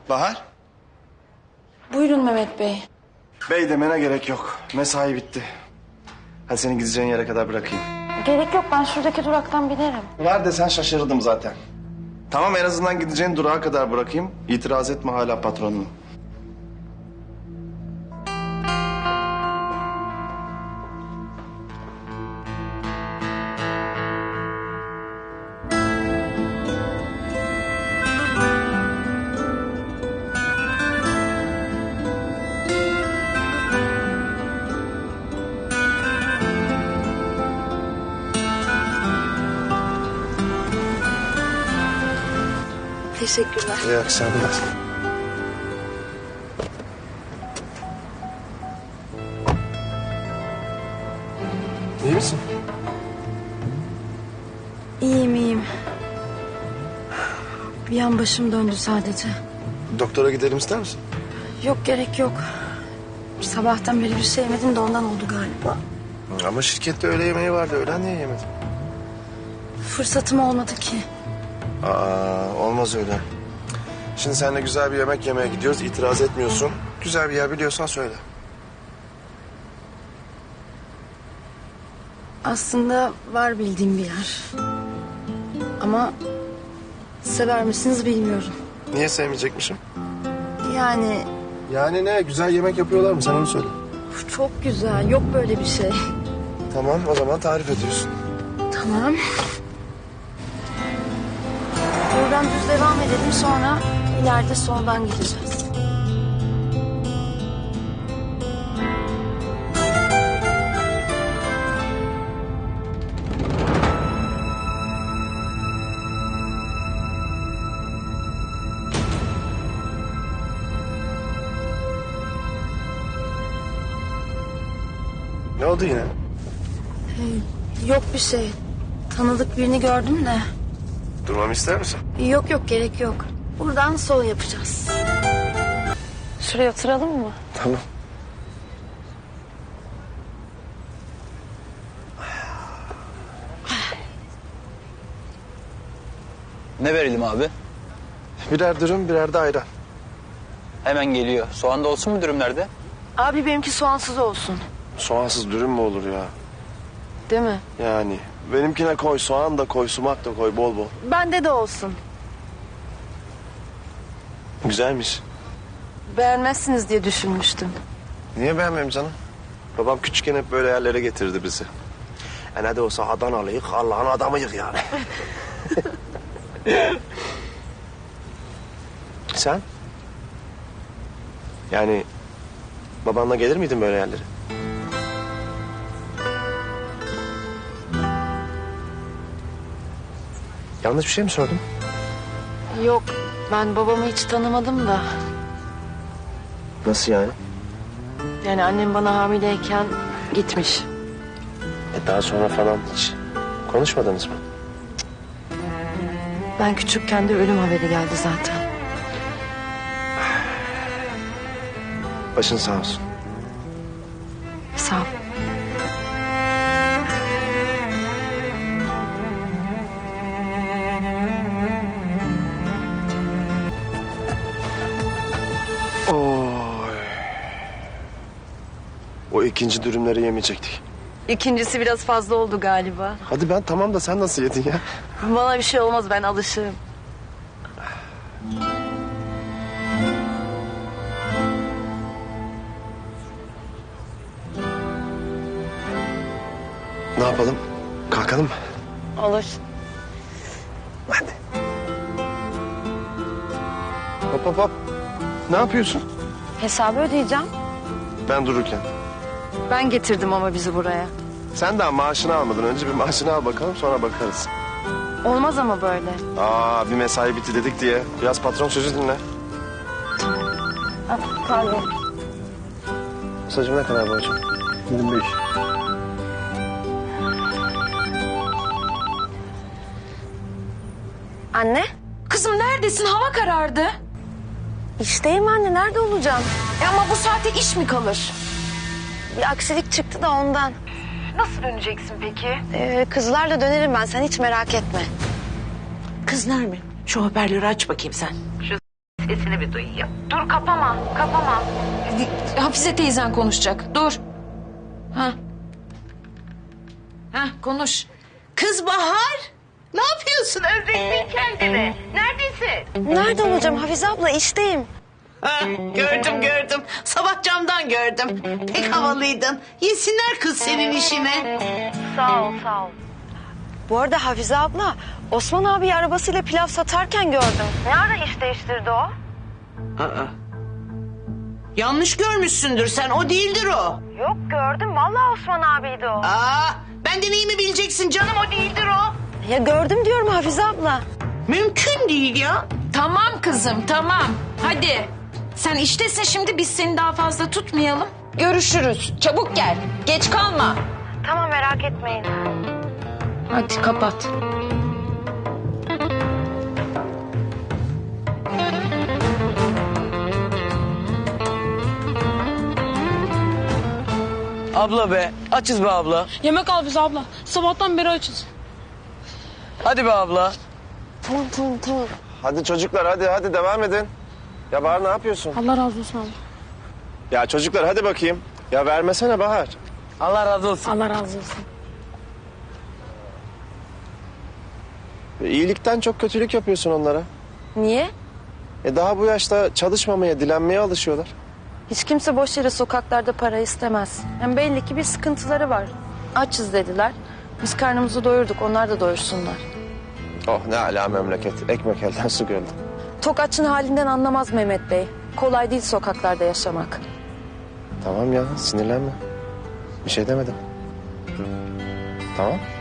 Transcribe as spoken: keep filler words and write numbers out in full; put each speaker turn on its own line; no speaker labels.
Bahar?
Buyurun Mehmet Bey.
Bey demene gerek yok. Mesai bitti. Hadi seni gideceğin yere kadar bırakayım.
Gerek yok, ben şuradaki duraktan binerim.
Var desen şaşırdım zaten. Tamam, en azından gideceğin durağa kadar bırakayım. İtiraz etme, hala patronum.
Teşekkürler.
İyi akşamlar. İyi misin?
İyiyim, iyiyim. Bir an başım döndü sadece.
Doktora gidelim ister misin?
Yok, gerek yok. Sabahtan beri bir şey yemedim de ondan oldu galiba.
Ama şirkette öğle yemeği vardı. Öğlen niye yemedin?
Fırsatım olmadı ki.
Aa, olmaz öyle. Şimdi seninle güzel bir yemek yemeye gidiyoruz. İtiraz etmiyorsun. Güzel bir yer biliyorsan söyle.
Aslında var bildiğim bir yer. Ama sever misiniz bilmiyorum.
Niye sevmeyecekmişim?
Yani
Yani ne? Güzel yemek yapıyorlar mı? Sen onu söyle.
çok güzel, yok böyle bir şey.
Tamam, o zaman tarif ediyorsun.
Tamam. Buradan düz devam edelim, sonra ileride soldan gideceğiz.
Ne oldu yine?
Yok bir şey. Tanıdık birini gördüm de.
Durmamı ister misin?
Yok yok, gerek yok. Buradan sol yapacağız. Şuraya oturalım mı?
Tamam.
Ne verelim abi?
Birer dürüm, birer de ayran.
Hemen geliyor. Soğan da olsun mu dürümlerde?
Abi benimki soğansız olsun.
Soğansız dürüm mü olur ya?
Değil mi?
Yani benimkine koy, soğan da koy, sumak da koy bol bol.
Bende de olsun.
Güzelmiş.
Beğenmezsiniz diye düşünmüştüm.
Niye beğenmeyeyim canım? Babam küçükken hep böyle yerlere getirdi bizi. E ne de olsa Adanalıyık, Allah'ın adamıyık yani. Sen? Yani babanla gelir miydin böyle yerlere? Yanlış bir şey mi sordum?
Yok, ben babamı hiç tanımadım da.
Nasıl yani?
Yani annem bana hamileyken gitmiş.
E daha sonra falan hiç konuşmadınız mı?
Ben küçükken de ölüm haberi geldi zaten.
Başın sağ olsun.
Sağ ol.
Oy. O ikinci dürümleri yemeyecektik.
İkincisi biraz fazla oldu galiba.
Hadi ben tamam da sen nasıl yedin ya?
Bana bir şey olmaz, ben alışığım.
Ne yapalım? Kalkalım mı?
Olur.
Hadi. Hop hop hop. Ne yapıyorsun?
Hesabı ödeyeceğim.
Ben dururken.
Ben getirdim ama bizi buraya.
Sen daha maaşını almadın. Önce bir maaşını al bakalım, sonra bakarız.
Olmaz ama böyle.
Aa, bir mesai bitti dedik diye. Biraz patron sözü dinle.
Ah, pardon.
Saçım ne kadar borcum? yirmi beş.
Anne?
Kızım neredesin? Hava karardı.
İşteyim anne, nerede olacağım?
E ama bu saate iş mi kalır?
Bir aksilik çıktı da ondan.
Nasıl döneceksin peki?
Ee, kızlarla dönerim ben, sen hiç merak etme.
Kız Nermin, şu hoparlörü aç bakayım sen. sesini bir duyayım.
Dur kapama, kapama.
Hafize teyzen konuşacak. Dur. Ha. Ha konuş.
Kız Bahar, ne yapıyorsun? Özlettin kendini. Neredesin?
Nerede olacağım Hafize abla? İşteyim.
Ha, gördüm gördüm. Sabah camdan gördüm. Pek havalıydın. Yesinler kız senin işini.
Sağ ol, sağ ol. Bu arada Hafize abla, Osman abi arabasıyla pilav satarken gördüm. Ne ara iş değiştirdi o?
Aa. Yanlış görmüşsündür sen. O değildir o.
Yok gördüm, vallahi Osman abiydi o.
Aa, benden iyi mi bileceksin canım? O değildir o.
Ya gördüm diyorum Hafize abla.
Mümkün değil ya.
Tamam kızım tamam. Hadi. Sen iştesin şimdi biz seni daha fazla tutmayalım. Görüşürüz. Çabuk gel. Geç kalma.
Tamam merak etmeyin.
Hadi kapat.
Abla be, açız be abla.
Yemek al bize abla. Sabahtan beri açız.
Hadi be abla.
Tamam tamam tamam.
Hadi çocuklar hadi hadi devam edin. Ya Bahar ne yapıyorsun?
Allah razı olsun abla.
Ya çocuklar hadi bakayım. Ya vermesene Bahar.
Allah razı olsun.
Allah razı olsun.
İyilikten çok kötülük yapıyorsun onlara.
Niye?
E daha bu yaşta çalışmamaya, dilenmeye alışıyorlar.
Hiç kimse boş yere sokaklarda para istemez. Hem belli ki bir sıkıntıları var. Açız dediler. Biz karnımızı doyurduk, onlar da doyursunlar.
Oh ne ala memleket. Ekmek elden su gölden.
Tok açın halinden anlamaz Mehmet Bey. Kolay değil sokaklarda yaşamak.
Tamam ya sinirlenme. Bir şey demedim. Tamam.